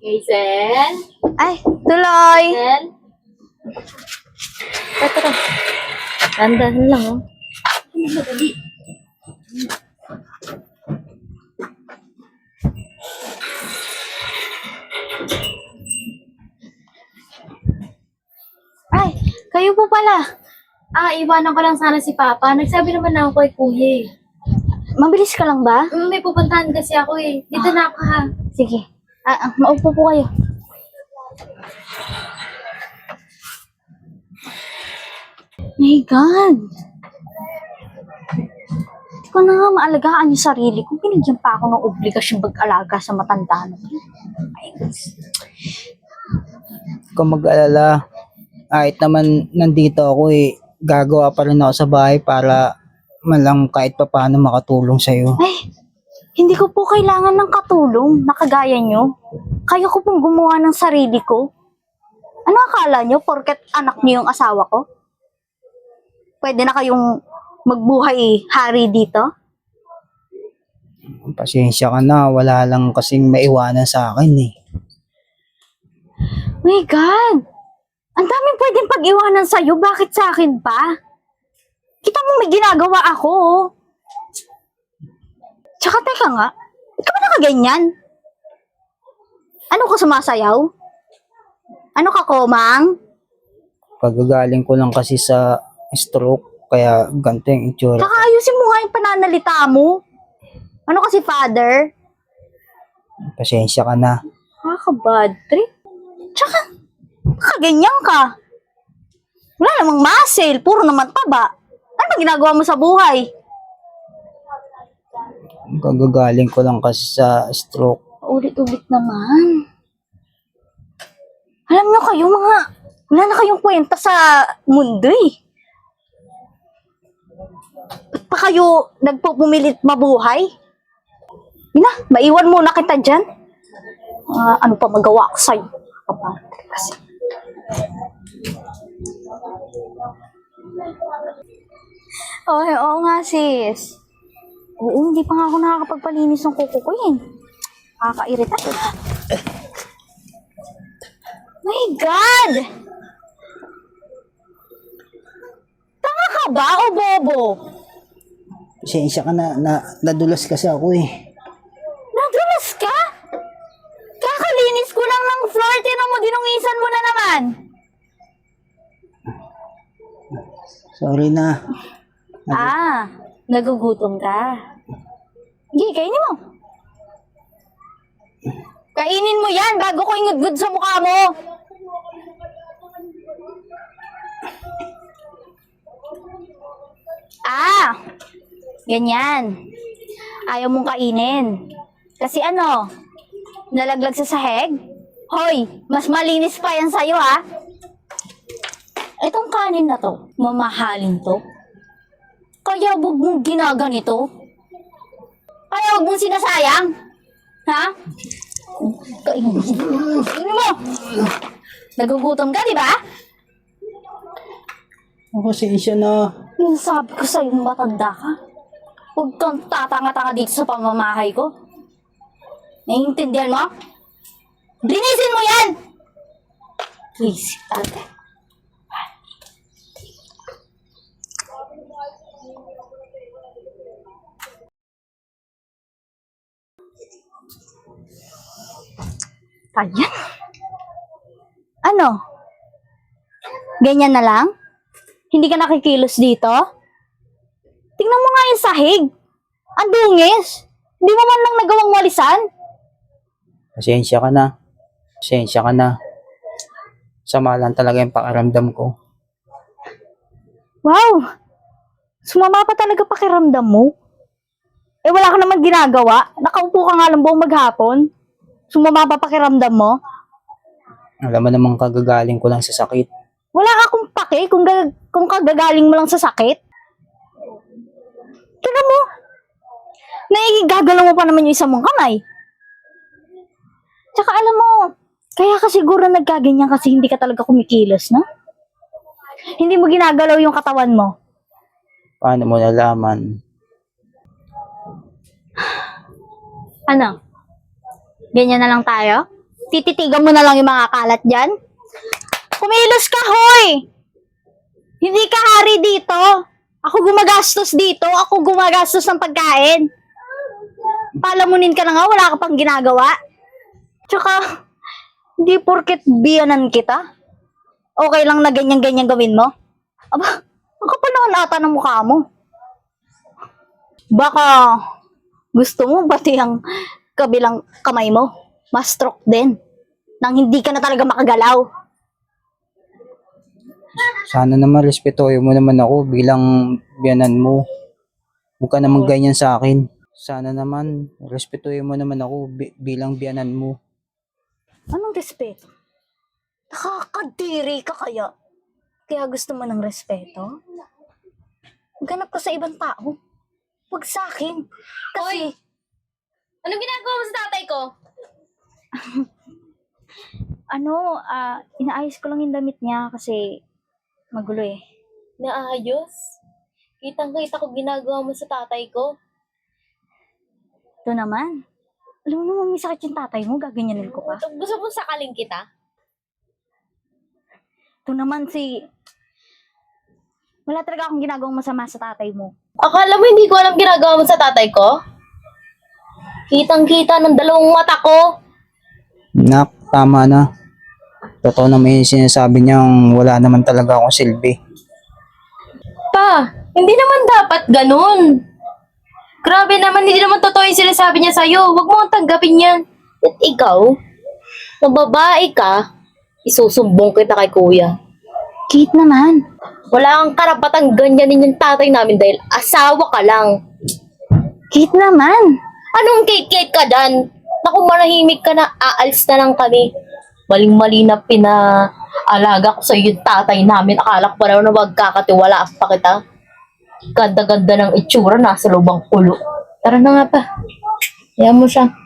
Hazel? Ay, tuloy! Hazel? Tara. Dandan lang, oh. Madali. Ay, kayo po pala. Iwanan ko lang sana si Papa. Nagsabi naman na ako kay Kuya eh. Mabilis ka lang ba? May pupuntahan kasi ako eh. Dito na ako ha. Sige. Maupo po kayo. My God! Hindi ko na nga maalagaan yung sarili ko. Binigyan pa ako ng obligasyon mag-alaga sa matanda na. My God. Kung mag-alala, kahit naman nandito ako gagawa pa rin ako sa bahay para man lang kahit pa paano makatulong sa'yo. Ay, hindi ko po kailangan ng katulong na kagaya nyo. Kaya ko pong gumawa ng sarili ko. Ano akala nyo, porket anak nyo yung asawa ko? Pwede na kayong magbuhay hari dito? Pasensya ka na, wala lang kasing maiwanan sa akin My God! Ang daming pwedeng pag-iwanan sa'yo, bakit sa akin pa? Kita mo may ginagawa ako, oh. Tsaka teka nga, ba't ka ba nakaganyan? Ano ka sumasayaw? Ano ka, Komang? Kagagaling ko lang kasi sa stroke, kaya ganito yung itsura. Tsaka ayusin mo nga yung pananalita mo. Ano kasi, father? Pasensya ka na. Nakaka-bad trip. Tsaka, nakaganyan ka. Wala namang muscle, puro naman taba. Ano ba ginagawa mo sa buhay? Kagagaling ko lang kasi sa stroke. Ulit-ulit naman. Alam nyo kayo mga, wala na kayong kwenta sa mundo eh. Ba't pa kayo nagpupumilit mabuhay? Ina, maiwan muna kita dyan. Ano pa magawa ko sa'yo? Kasi. Oo nga sis. Oo, hindi pa nga ako nakakapagpalinis ng kuko ko yun. Nakakairita. My God! Tanga ka ba o bobo? Pasensya ka na, nadulas kasi ako Nadulas ka? Kakalinis ko lang ng floor, tinan mo, dinungisan mo na naman. Sorry na. Nagugutom ka. Sige, kainin mo. Kainin mo yan bago ko ingudgud sa mukha mo. Ganyan. Ayaw mong kainin. Kasi ano, nalaglag sa sahig? Hoy, mas malinis pa yan sa'yo ha. Itong kanin na to, mamahalin to. Kaya huwag mong ginaganito. Kaya huwag mong sinasayang. Ha? Kainin mo! Nagugutom ka, di ba? Pasensya na. Yung sabi ko sa'yo, matanda ka. Huwag kang tatanga-tanga dito sa pamamahay ko. Naiintindihan mo? Linisin mo yan! Please, ate. Ayan. Ano? Ganyan na lang? Hindi ka nakikilos dito? Tingnan mo nga yung sahig. Ang dungis. Hindi mo man lang nagawang walisan. Pasensya ka na. Pasensya ka na. Sama lang talaga yung pakiramdam ko. Wow! Sumama pa talaga pakiramdam mo. Eh wala ka naman ginagawa. Nakaupo ka nga lang buong maghapon. Sumama pa pakiramdam mo. Alam mo namang kagagaling ko lang sa sakit. Wala akong pake kung kagagaling mo lang sa sakit. Tignan mo. Naigagalaw mo pa naman yung isang mong kamay. Tsaka alam mo, kaya ka siguro nagkaganyan kasi hindi ka talaga kumikilos, no? Hindi mo ginagalaw yung katawan mo. Paano mo nalaman? Ano? Ganyan na lang tayo? Tititigan mo na lang yung mga kalat dyan? Kumilos ka, hoy! Hindi ka hari dito. Ako gumagastos dito. Ako gumagastos ng pagkain. Palamunin ka na nga, wala ka pang ginagawa. Tsaka, hindi porket biyanan kita. Okay lang na ganyan-ganyan gawin mo? Aba, ang kapal naman ata ng mukha mo. Baka gusto mo pati ang kabilang kamay mo ma-stroke din nang hindi ka na talaga makagalaw. Sana naman respetuhin mo naman ako bilang biyanan mo. Huwag ka naman ganyan sa akin. Sana naman respetuhin mo naman ako bilang biyanan mo. Anong respeto? Nakakadiri ka kaya? Kaya gusto mo ng respeto? Maghanap ka sa ibang tao. Huwag sa akin. Kasi, Anong ginagawa mo sa tatay ko? inaayos ko lang yung damit niya kasi magulo eh. Naayos? Kitang-kita ko ginagawa mo sa tatay ko. Ito naman. Alam mo naman may sakit yung tatay mo, gaganyanin ko pa. Gusto mo sakaling kita? Ito naman wala talaga akong ginagawang masama sa tatay mo. Akala mo hindi ko alam ginagawa mo sa tatay ko? Kitang-kita ng dalawang mata ko. Nak, tama na. Totoo naman yung sinasabi niyang wala naman talaga akong silbi. Pa, hindi naman dapat ganun. Grabe naman, hindi naman totoo yung sinasabi niya sa'yo. Huwag mo ang tanggapin yan. At ikaw, na babae ka, isusumbong kita kay kuya. Kate naman. Wala kang karapatang ganyanin yung tatay namin dahil asawa ka lang. Kate naman. Anong kate-kate ka dan? Naku, manahimik ka na, aalis na lang kami. Maling-mali na pinaalaga ko sa yung tatay namin. Akala ko pa naman na magkakatiwalaan pa kita. Ganda-ganda ng itsura, nasa lubang ulo. Tara na nga pa. Hayaan mo siya.